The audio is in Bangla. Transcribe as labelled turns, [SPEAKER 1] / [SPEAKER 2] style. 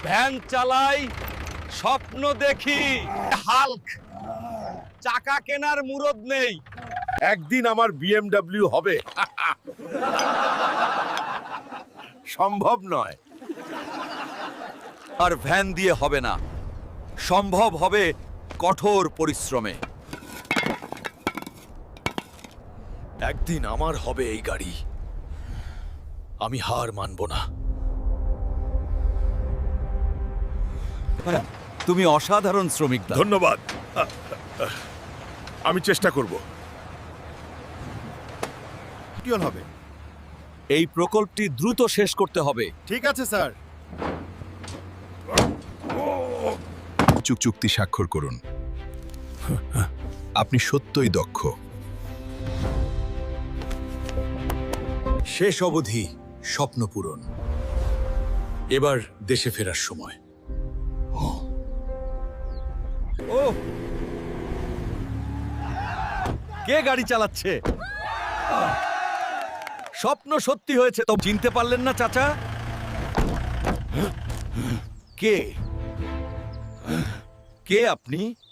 [SPEAKER 1] ভ্যান চালাই, স্বপ্ন দেখি। হাল্ক, চাকা কেনার মুরদ নেই।
[SPEAKER 2] একদিন আমার বিএমডব্লিউ হবে। সম্ভব নয়।
[SPEAKER 1] আর ভ্যান দিয়ে হবে না, সম্ভব হবে কঠোর পরিশ্রমে।
[SPEAKER 3] একদিন আমার হবে এই গাড়ি, আমি হার মানব না।
[SPEAKER 1] তুমি অসাধারণ শ্রমিক দা।
[SPEAKER 2] ধন্যবাদ। আমি চেষ্টা করব। কি হবে?
[SPEAKER 1] এই প্রকল্পটি দ্রুত শেষ করতে হবে।
[SPEAKER 2] ঠিক আছে স্যার।
[SPEAKER 4] চুক্তি স্বাক্ষর করুন। আপনি সত্যই দক্ষ।
[SPEAKER 3] শেষ অবধি স্বপ্ন পূরণ। এবার দেশে ফেরার সময়।
[SPEAKER 1] ও, কে গাড়ি চালাচ্ছে? স্বপ্ন সত্যি হয়েছে তো। চিনতে পারলেন না চাচা? কে কে আপনি?